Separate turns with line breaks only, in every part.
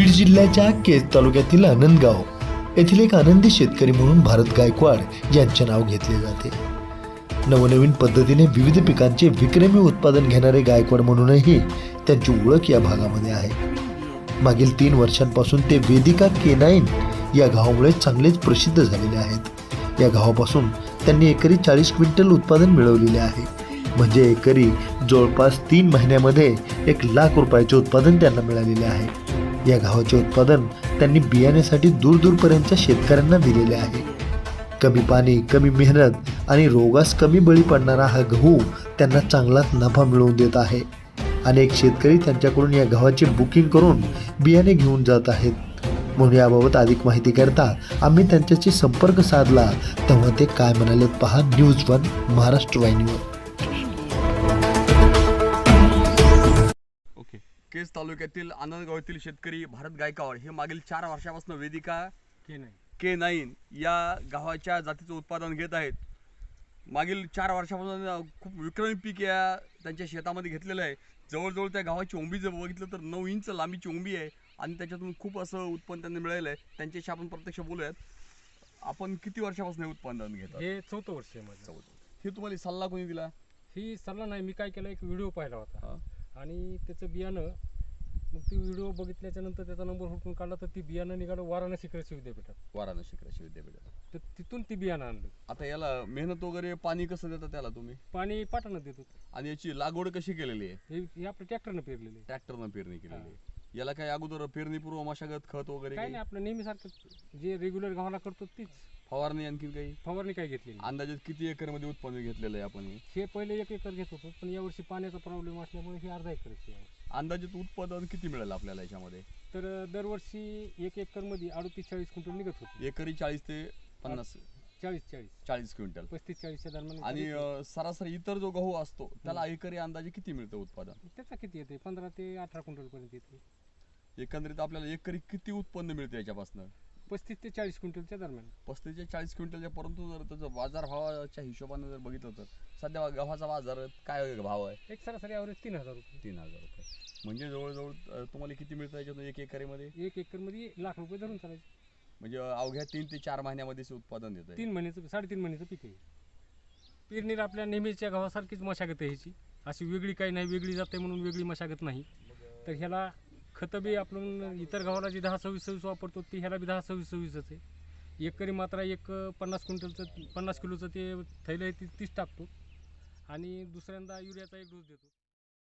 बीड जिल्ह्याच्या केज तालुक्यातील आनंदगाव येथील एक आनंदी शेतकरी म्हणून भारत गायकवाड यांचे नाव घेतले जाते। नवनवीन पद्धतीने विविध पिकांचे विक्रमी उत्पादन घेणारे गायकवाड म्हणूनही त्यांची ओळख या भागामध्ये आहे। मागील 3 वर्षांपासून ते वेदिका K9 या गावामुळे चांगलेच प्रसिद्ध झालेले आहेत। या गावापासून त्यांनी एकरी 40 क्विंटल उत्पादन मिळवलेले आहे। म्हणजे एकरी जवळपास 3 महिन्यामध्ये 1 लाख रुपयाचे उत्पादन त्यांना मिळालेले आहे। या गावाचे उत्पादन त्यांनी बियाण्यासाठी दूरदूरपर्यंतच्या शेतकऱ्यांना दिलेले आहे। कमी पाणी, कमी मेहनत आणि रोगास कमी बळी पडणारा हा गहू त्यांना चांगलाच नफा मिळवून देत आहे। अनेक शेतकरी त्यांच्याकडून या गव्हाचे बुकिंग करून बियाणे घेऊन जात आहेत। म्हणून याबाबत अधिक माहिती करता आम्ही त्यांच्याशी संपर्क साधला, तेव्हा ते काय म्हणाले पहा न्यूज 1 महाराष्ट्र वाहिनीवर।
केज तालुक्यातील आनंदगाव येथील शेतकरी भारत गायकवाड हे मागील 4 वर्षापासून वेदिका K9 या गव्हाच्या जातीचं उत्पादन घेत आहेत। मागील 4 वर्षापासून खूप विक्रमी पीक या त्यांच्या शेतामध्ये घेतलेलं आहे। जवळजवळ त्या गव्हाची ओंबी जर बघितलं तर 9 इंच लांबीची ओंबी आहे आणि त्याच्यातून खूप असं उत्पन्न त्यांनी मिळालेलं आहे। त्यांच्याशी आपण प्रत्यक्ष बोलूयात। आपण किती वर्षापासून हे उत्पादन घेतात?
हे 4थं वर्ष आहे माझं।
हे तुम्हाला सल्ला कोणी दिला?
ही सल्ला नाही, मी काय केलं, एक व्हिडिओ पाहिला होता आणि त्याचं बियाणं, मग ती व्हिडिओ बघितल्याच्या नंतर त्याचा नंबर हुडकून काढला तर ती बियाणं निघालं वाराणसी कृषी विद्यापीठात।
वाराणसी कृषी विद्यापीठात
तर तिथून ती बियाणं आणलं।
आता याला मेहनत वगैरे पाणी कसं देता त्याला तुम्ही?
पाणी पाटानं देतो
आणि याची लागवड कशी केलेली आहे?
हे आपलं ट्रॅक्टरनं पेरलेलं आहे।
ट्रॅक्टरनं पेरणी केलेली आहे। याला काय अगोदर पेरणीपूर्व मशागत, खत वगैरे
काय नाही, आपलं नेहमीसारखं जे रेग्युलर गव्हाला करतो तीच
फवारणी? आणखीन काही
फवारणी काय घेतली नाही।
अंदाजे किती एकरमध्ये उत्पन्न घेतलेलं आहे आपण?
हे पहिले 1 एकर घेत होतो, पण यावर्षी पाण्याचा प्रॉब्लेम असल्यामुळे हे अर्धा एकरच आहे।
अंदाजित उत्पादन किती मिळेल आपल्याला याच्यामध्ये?
तर दरवर्षी 1 एकरमध्ये 38-40 क्विंटल निघत होते।
एकरी 40 ते 50 40 क्विंटल
35-40च्या दरम्यान।
आणि सरासरी इतर जो गहू असतो त्याला एकरी अंदाजे किती मिळतं उत्पादन?
त्याचा किती येते? 15 ते 18 क्विंटल पर्यंत येते।
एकंदरीत आपल्याला एकरी किती उत्पन्न मिळतं याच्यापासून?
35 ते 40 क्विंटलच्या दरम्यान।
35 ते 40 क्विंटलच्या, परंतु जर त्याचं बाजारभावाच्या हिशोबाने जर बघितलं तर सध्या गव्हाचा बाजार काय भाव आहे?
एक सरासरी ॲव्हरेज 3000 रुपये।
3000 रुपये म्हणजे जवळजवळ तुम्हाला किती मिळतं याच्यातून 1 एकरमध्ये?
1 एकरमध्ये 1 लाख रुपये धरून चालायचे।
म्हणजे अवघ्या 3 ते 4 महिन्यामध्ये उत्पादन देतं।
3 महिन्याचं 3.5 महिन्याचं पीक आहे। पेरणीला आपल्या नेहमीच्या गव्हासारखीच मशागत आहे ह्याची, अशी वेगळी काही नाही, वेगळी जाते म्हणून वेगळी मशागत नाही। तर ह्याला खतं बी आपण इतर गव्हाला जी 10-26-26 वापरतो ती ह्याला बी 10-26-26च आहे। एकरी मात्रा 50 क्विंटलचं 50 किलोचं ते थैलं आहे, ती 30 टाकतो आणि दुसऱ्यांदा युरियाचा 1 डोस देतो।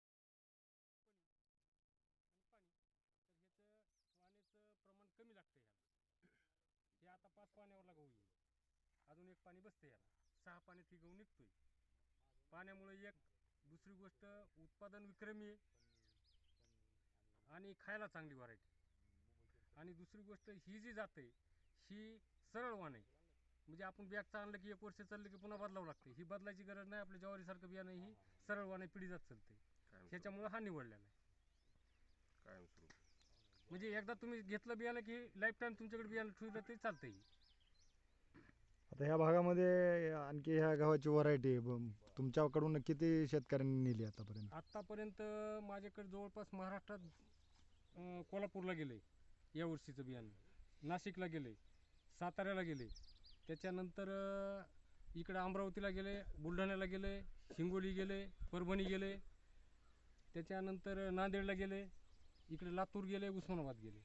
प्रमाण कमी लागतं ह्याला। हे आता 5 पाण्यावरला गहू आहे, अजून 1 पाणी बसतं याला, 6 पाण्यात ही गहू निघतोय। पाण्यामुळे एक दुसरी गोष्ट उत्पादन विक्रमी आहे आणि खायला चांगली व्हरायटी। आणि दुसरी गोष्ट ही जी जाते ही सरळ वाण आहे, म्हणजे आपण बॅगचं आणलं की 1 वर्ष चाललं की पुन्हा बदलावं लागते। ही बदलायची गरज नाही, आपल्या ज्वारीसारखं बियाणं ही सरळ वाण आहे, पिढी जात चालते। त्याच्यामुळे हा निवडलेला आहे कायमस्वरूपी। म्हणजे एकदा तुम्ही घेतलं बियाणं की लाईफ टाईम तुमच्याकडे बियाणं ठेवलं तरी चालतंय।
आता ह्या भागामध्ये आणखी ह्या गव्हाची व्हरायटी तुमच्याकडून किती शेतकऱ्यांनी नेली आतापर्यंत?
आत्तापर्यंत माझ्याकडे जवळपास महाराष्ट्रात कोल्हापूरला गेले या वर्षीचं बियाणं, नाशिकला गेले, साताऱ्याला गेले, त्याच्यानंतर इकडे अमरावतीला गेले, बुलढाण्याला गेले, हिंगोली गेले, परभणी गेले, त्याच्यानंतर नांदेडला गेले, इकडे लातूर गेले, उस्मानाबाद गेले।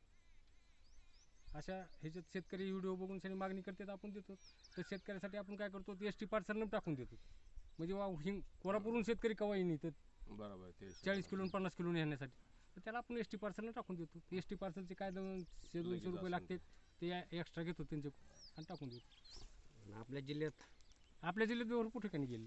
अशा ह्याच्यात शेतकरी व्हिडिओ बघून सगळी मागणी करतात, आपण देतो। तर शेतकऱ्यासाठी आपण काय करतो, ST पार्सलनं टाकून देतो। म्हणजे कोल्हापूरहून शेतकरी कवा येईन तर बरोबर 40 किलो 50 किलो नेण्यासाठी, तर त्याला आपण ST पार्सलनं टाकून देतो। ST पार्सलचे काय 200-200 रुपये लागतात, ते एक्स्ट्रा घेतो त्यांचे आणि टाकून देतो। आपल्या जिल्ह्यात भरपूर ठिकाणी गेले,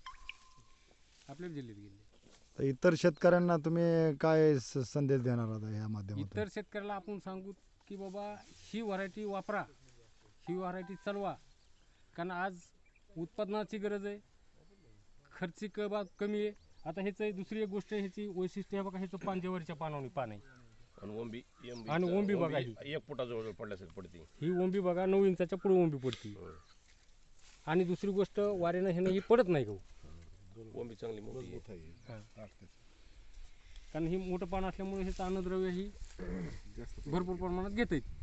आपल्या जिल्ह्यात गेले।
तर इतर शेतकऱ्यांना तुम्ही काय संदेश देणार आहात ह्या माध्यमातून?
इतर शेतकऱ्याला आपण सांगू की बाबा ही व्हरायटी वापरा, ही व्हरायटी चालवा, कारण आज उत्पादनाची गरज आहे, खर्चिक बाब कमी आहे। आता ह्याचं दुसरी एक गोष्ट, ह्याची वैशिष्ट्य आहे बघा, ह्याचं पान ज्वारीच्या पानावणी पान आहे आणि ओंबी बघा, ही
1 फुटाजवळ पडल्यासारखी पडते।
ही ओंबी बघा 9 इंचाच्या पुढे ओंबी पडते। आणि दुसरी गोष्ट वाऱ्यानं ह्यानं ही पडत नाही गहू,
ओंबी चांगली मोठी आहे।
कारण ही मोठं पान असल्यामुळे हे अन्नद्रव्य ही भरपूर प्रमाणात घेत आहेत.